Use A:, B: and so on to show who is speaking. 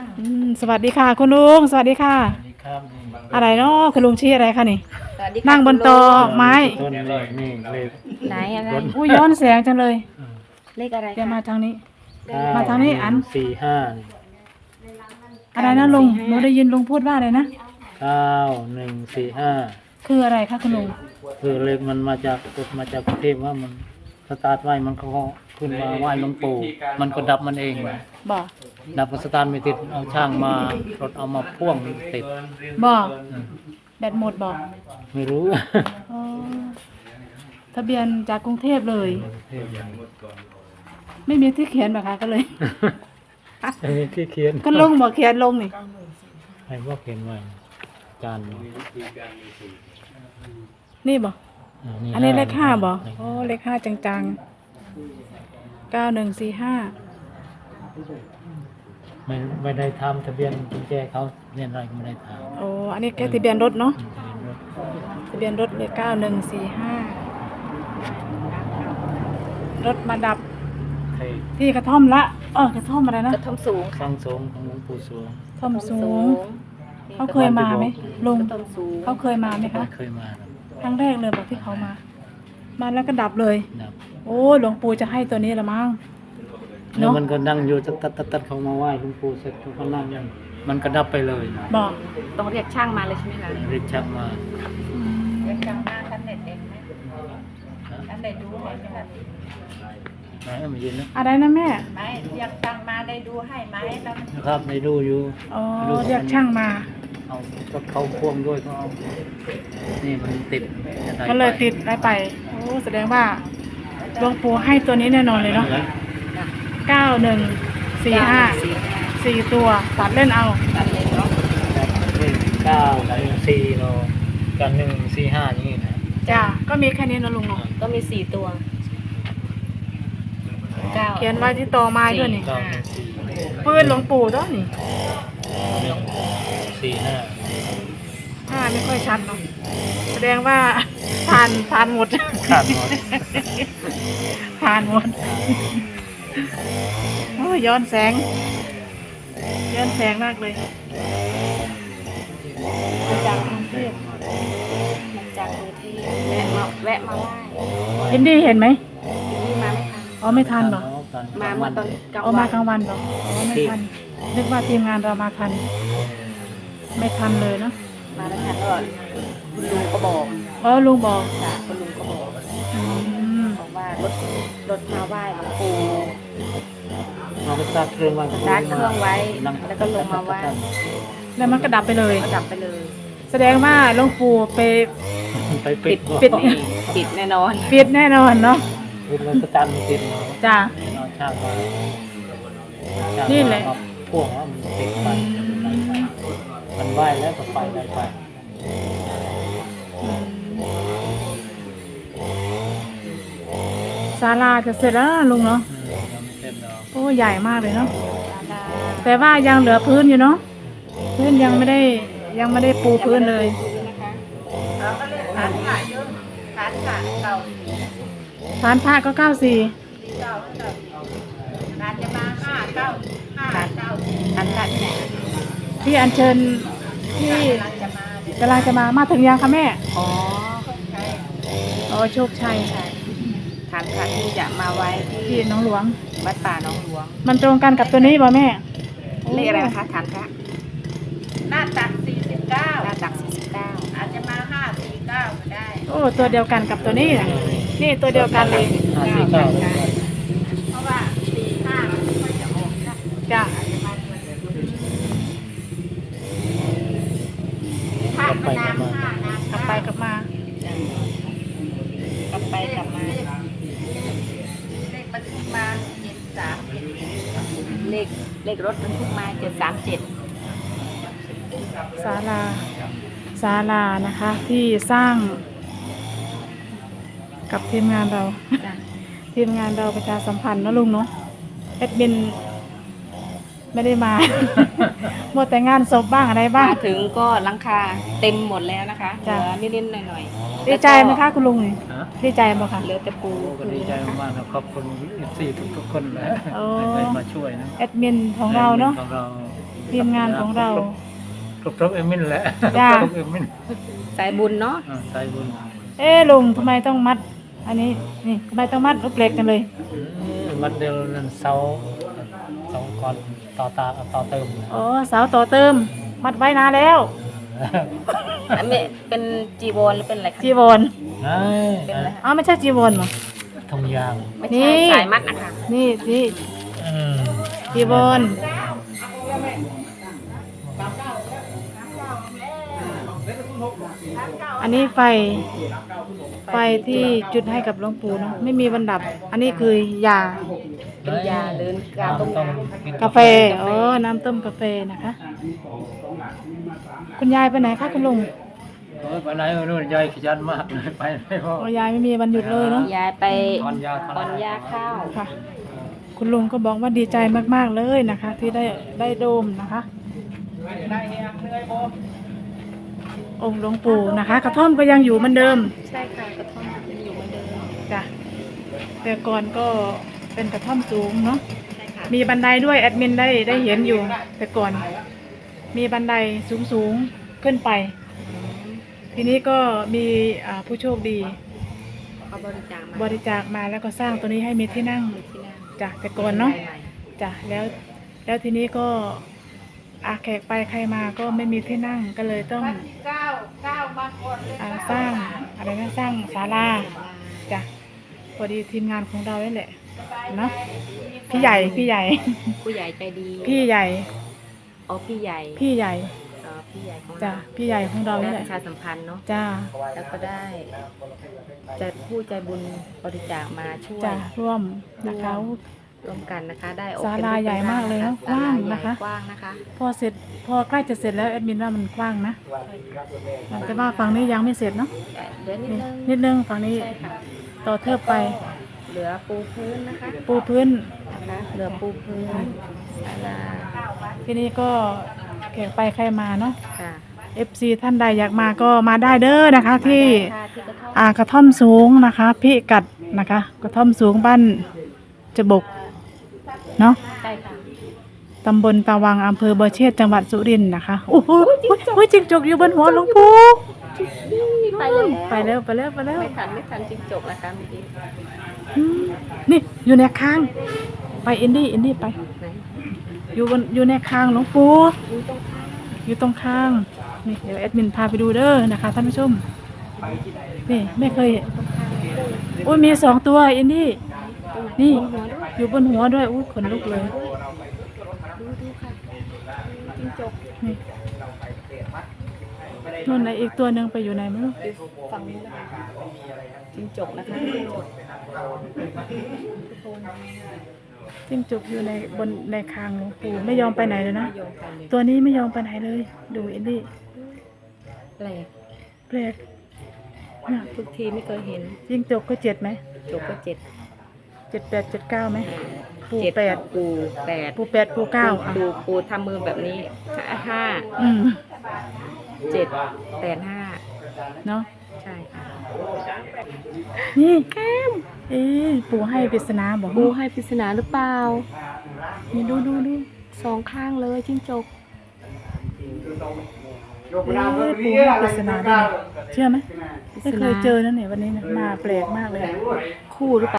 A: สวัสดีค่ะคุณลุงสวัสดีค่ะ
B: สวัสดีครับนี่
A: อะไรเนาะคุณลุงชี้อะไรคะนี่
C: สวัสดีค่ะ
A: นั่งบนโต๊ะไม้
B: ต้นเลยนี่เลย
C: ไหนอะไร
A: อุ้ยย้อนแสงจังเลย
C: เลขอะไร
A: เดี๋ยว
C: คะ
A: มาทางนี้
B: เก้
A: มาทางนี้อัน
B: 145
A: อะไรนะลุงหนูได้ยินลุงพูดว่าอะไรนะ
B: 9145
A: คืออะไรคะคุณลุง
B: คือเลขมันมาจากกฎมาจากกรุงเทพว่ามันสตาร์ทไว้มันก็ขึ้นมาไหว้หลวงปู่มันก็ดับมันเอง
A: บอก
B: ดับก็สตาร์ทไม่ติดเอาช่างมารถเอามาพ่วงติด
A: บอกแบตหมดบอก
B: ไม่รู้
A: อ๋อทะเบียนจากกรุงเทพเลย ไม่มีที่เขียนแบบคะก็เลย
B: อันนี้ที่เขียน
A: ก็ลงบอกเขียนลงนี่
B: ใครว่าเขียนไว้จาน
A: นี่บอกอันนี้เลขห้าบอกโอ้เลขห้าจังๆ9145
B: ไม่ได้ทำทะเบียนกุญแจเขาเนี่ยอะไรก็ไม่ได้ทำ
A: โอ้อันนี้แค่ทะเบียนรถเนาะทะเบียนรถเลย9145รถมาดับ
B: ใคร
A: ที่กระท่อมละกระท่อมอะไรนะ
C: กระทอมสูง
B: ฟังสงของหลวงปู่สวง
A: ท่อมสูง เขาเคยมาไหมลุง
C: กระทอมสูง
A: เขาเคยมาไหมคะ
B: ไม่เคยมาหรอก
A: ครั้งแรกเลยบอกที่เขามา มาแล้วก็ดับเลย
B: ดับ
A: โอ้หลวงปู่จะให้ตัวนี้ละมั้ง
B: แล้ว
A: เนาะ
B: มันก็นั่งอยู่ตัดเขามาไหว้หลวงปู่เสร็จเขาก็นั่งยังมันก็ดับไปเลยนะ
A: บอก
C: ต้องเรียกช่างมาเลยใช่ไหมคะ
B: รีบชักมา
C: เรียกช่างมาท่านเด็ดเองไหมท่านเด็ดดูให้ไหมล่ะ
B: ไหนเอามายืนนะ
A: อะไรนะแม่
C: ไม่เรียกช่างมาได้ดูให้ไหมแล้ว
B: นะครับในดูอยู่
A: อ๋อเรียกช่างมา
B: เอารถเขาพ่วงด้วยก็เอานี่มันติดจะได้
A: ก็เลยติดได้ไปโอ้แสดงว่าหลวงปู่ให้ตัวนี้แน่นอนเลยเนาะ9145 4 ตัวตัดเล่นเอา
C: ตัดเลยเนาะ
B: นี่9 4โลกัน145อย่างนี้นะ
A: จ้าก็มีแค่นี้นะลุงเนาะ
C: ก็มี4ตัว9
A: เขียนไว้ที่ตอไม้ด้วยนี่
B: 9
A: ปืนหลวงปู่ด้วยนี่
B: 4
A: ไม่ค่อยชัดเนาะแสดงว่าทานหมด
B: 5ขาดหมด
A: ทานหมดโอ้ยย้อนแสงมากเลยมาจากกรุงเทพ
C: จากกรุงเทพแวะมาไหว้
A: ยินดีเห็นไหม
C: นี่มาไหมคะ
A: อ๋อไม่ทันเหรอ
C: มาเมื่อตอนกลาง
A: อ๋อ
C: วั
A: มาน กลางวันเหรออ๋อไม่ทันนึกว่าทีมงานเรามาทัน ไม่ทันเลยเนาะ
C: มาแล้วค่ะก็คุณลุงก็บอก
A: อ๋อลุงบอก
C: ค่ะคุณลุงก็บอก
A: อืม
C: บอกว่ารถมาไหว้หลวงปู่
B: เราก็สตาร์ทเครื่องไว้
C: สตาร์ทเครื่องไว้แล้วก็ลงมาไหว้
A: แล้วมันก็ดับไปเลย
C: ก็ดับไปเลย
A: แสดงว่าหลวงปู่ไป
B: ไปปิด
A: ปิด
C: ปิดแน่นอน
A: ปิดแน่นอนเนาะ
B: ปิดแล้วก็จันติดเนาะ
A: จ้า
B: เอาช่างมา
A: นี่แหละ
B: มาพ่วงว่ามันติดไปมันไหวแล้วก็ไปได้ไป
A: ศาลาจะเสร็จแล้วนะลุงเนาะ
B: ยังไม่เสร็จเนาะ
A: โอ้ใหญ่มากเลยเนาะแต่ว่ายังเหลือพื้นอยู่เนาะพื้นยังไม่ได้ปูพื้นเลย
C: ฐานขาเยอะฐานขาเก่า
A: ฐานพระก็94
C: ฐานจะมา5 9 5 9ฐานขาที่ไหน
A: ที่อัญเชิญที่กำลังจะมาถึงยังคะแม่
C: อ๋อ
A: อ๋อโชคชัย
C: ฐานขาที่จะมาไว้
A: ที่หน้องหลวง
C: วัดป่าหนองหลวง
A: มันตรงกันกับตัวนี้ป่ะแม่
C: เลขอะไรนะคะฐานพระ
D: หน้าตัก
C: หน้า
D: 49
C: ตัก49
D: อาจจะมา 549ก็ได้
A: โอ้ตัวเดียวกันกับตัวนี้น่ะนี่ตัวเดียวกันเลย
B: 549
D: เพราะว่า 45มันไม่ค่อยจะออกนะ
A: จ้ะ
D: ถ้ามานาม5นาม
A: กลับไปกลับมา
C: กลับไปกลับมา
D: เลขบันทึกมา73
C: เลขรถบรรทุกมา737
A: ศาลานะคะ ที่สร้างกับทีมงานเรา
C: จ้ะ
A: ทีมงานเราประชาสัมพันธ์เนอะลุงเนาะแอดมินไม่ได้มา หมดแต่งานศพบ้างอะไรบ้าง
C: มาถึงก็หลังคาเต็มหมดแล้วนะคะเห
A: จ้ะ
C: ลือนิดๆหน่อยๆ
A: ดีใจไหมคะคุณลุงนี่
B: ฮะ
A: ดีใจไหมคะ
C: เหลือแต่ปู
B: ก็ดีใจมากๆนะขอบคุณสี่ทุกๆคนเลย
A: โอ้
B: ได้มาช่วยนะ
A: แอดมินของเราเนาะ
B: ของเรา
A: ทีมงานของเรา
B: ครบเอมินแหละ
A: จ้า
B: ครบเอมิน
C: สายบุญเนาะ
B: ใส่บุญ
A: เอ๊ะลุงทำไมต้องมัด อันนี้นี่ทำไมต้องมัดลูกเหล็กกันเลย
B: วัดเดียวนั่นเสาก่อนต่อเติม
A: อ๋อเสาต่อเติม มัดไว้นานแล้ว
C: อันนี้เป็นจีวรหรือเป็นอะไรคะ
A: จีวร
C: เป็นอะไรคะ
A: อ๋อไม่ใช่จีวรเหรอ
B: ทงยาง
C: ไม่
A: นี่
C: ใช่สายมัดนะคะ
A: นี่นี่
B: อืม
A: จีวรอันนี้ไฟที่จุดให้กับหลวงปู่เนาะไม่มีวันดับ อันนี้คือยา
C: เป็นยาหรือกาต้ม
A: กาแฟอ๋อน้ำต้มกาแฟนะคะ คุณยายไปไหนคะคุณลุง
B: โอ้ยไปไหนไม่รู้ยายขยันมากเลยไปไม่พอ
A: อ๋อยายไม่มีวันหยุดเลยเนาะ
C: ยายไป
B: ถอนยา
C: ถอนยาข้าว
A: ค่ะ คุณลุงก็บอกว่าดีใจมากๆเลยนะคะ ที่ได้โดมนะคะองค์หลวงปู่นะคะ กระท่อมก็ยังอยู่เหมือนเดิม
C: ใช่ค่ะกระท่อมยังอยู่เหมือนเดิม
A: จ้ะแต่ก่อนก็เป็นกระท่อมสูงเนาะ
C: ใช่ค่ะ
A: มีบันไดด้วยแอดมินได้เห็นอยู่ แต่ก่อนมีบันไดสูงขึ้นไป ทีนี้ก็มีผู้โชคดี
C: เขาบริจาคมา
A: บริจาคมาแล้วก็สร้างตัวนี้ให้มีที่นั่ง
C: ที่นั่น
A: จ้ะแต่ก่อนเนาะจ้ะแล้วทีนี้ก็แขกไปใครมาก็ไม่มีที่นั่งก็เลยต้องสร้างอะไรนะสร้างศาลาจ้ะพอดีทีมงานของเรานี่แหละเนาะพี่ใหญ่
C: ผู้ใหญ่ใจดี
A: พี่ใหญ่
C: อ๋อพี่ใหญ่
A: พี่ใหญ่
C: พี่ใหญ่ของ
A: จ้ะ
C: เรา
A: พี่ใหญ่ของเรา
C: ได้
A: นี่
C: ป
A: แหละ
C: ระชาสัมพันธ์เนาะ
A: จ้า
C: แล้วก็ได้จะผู้ใจบุญบริจาคมาช่วย
A: จ้าร่วมนะคะ
C: ร่วมกันนะคะ ได้
A: ศาลาใหญ่มากเลยเนอะ
C: ศล
A: กว้าง
C: ใหญ่
A: นะคะ
C: กว้างนะคะ
A: พอใกล้จะเสร็จแล้วแอดมินว่ามันกว้างนะแต่ว่าฝั่งนี้ยังไม่เสร็จเนาะ
C: เหลือนิด
A: นี่
C: นึง
A: นิดนึงฝั่งนี้
C: ใช่ค่ะ
A: ต่อเทิบไป
C: เหลือปูพื้นนะคะ
A: ปูพื้น
C: นะคะเหลือปูพื้นศาลา
A: ทีนี้ก็แขกไปใครมาเนาะ
C: ค่ะ
A: FC ท่านใดอยากมาก็มาได้เด้อนะคะ ที่
C: ค่ะที่กระท่อม
A: กระท่อมสูงนะคะพิกัดนะคะ กระท่อมสูงบ้านจบกเนาะ
C: ใช่ค่ะ
A: ตำบลตาวังอำเภอบัวเชษจังหวัดสุรินทร์นะคะโอ้โหจิงจกอยู่บนหัวหลวงปู่
C: ไปแล้ว
A: ไปแล้ว
C: ไม่ทันจริงจบนะคะเมื่อกี้
A: อืมนี่อยู่ในคาง ไปอินดี้ไป
C: ไหน
A: อยู่ในคางหลวงปู่
C: อยู่ตรงข้าง
A: อยู่ตรงคางนี่เดี๋ยวแอดมินพาไปดูเด้อนะคะท่านผู้ชมนี่ไม่เคยโอ้ยมี2 ตัวอินดี้นี่อยู่บนหัวด้วยอุ้ยขนลุกเลย
C: ดูค่ะจริงจบ
A: นี่นู่นไหนอีกตัวหนึ่งไปอยู่ไหนไม่รู้
C: ฟังนี้นะคะจริงจบนะคะจริงจบ
A: จิ้งจกอยู่ในคางหลวงปู่ไม่ยอมไปไหนเลยนะ
C: โยงไปเลย
A: ตัวนี้ไม่ยอมไปไหนเลย ดูอินดี้
C: แปลก
A: แปลกน่ะ
C: ทุกทีไม่เคยเห็น
A: จิ้งจกก็7ไหม
C: จบก็7
A: 7 8 7 9ไหมปู
C: 7
A: 8
C: ปู8
A: ปู8ปู9อ่ะ
C: ปูทำมือแบบนี้5
A: อืม
C: 7 8
A: เนาะ
C: 5ใช่ค่ะ
A: นี่แก้มปู่ให้ปริศนาบอก
C: ปูให้ปริศนาหรือเปล่า
A: นี่ดู
C: 2 ข้างเลยจิ้งจก
A: ปู่ให้ปริศนาด้วยเชื่อไหมไม่เคยเจอนั่นเนี่ยวันนี้นะมาแปลกมากเลย
C: คู่หรือเปล่า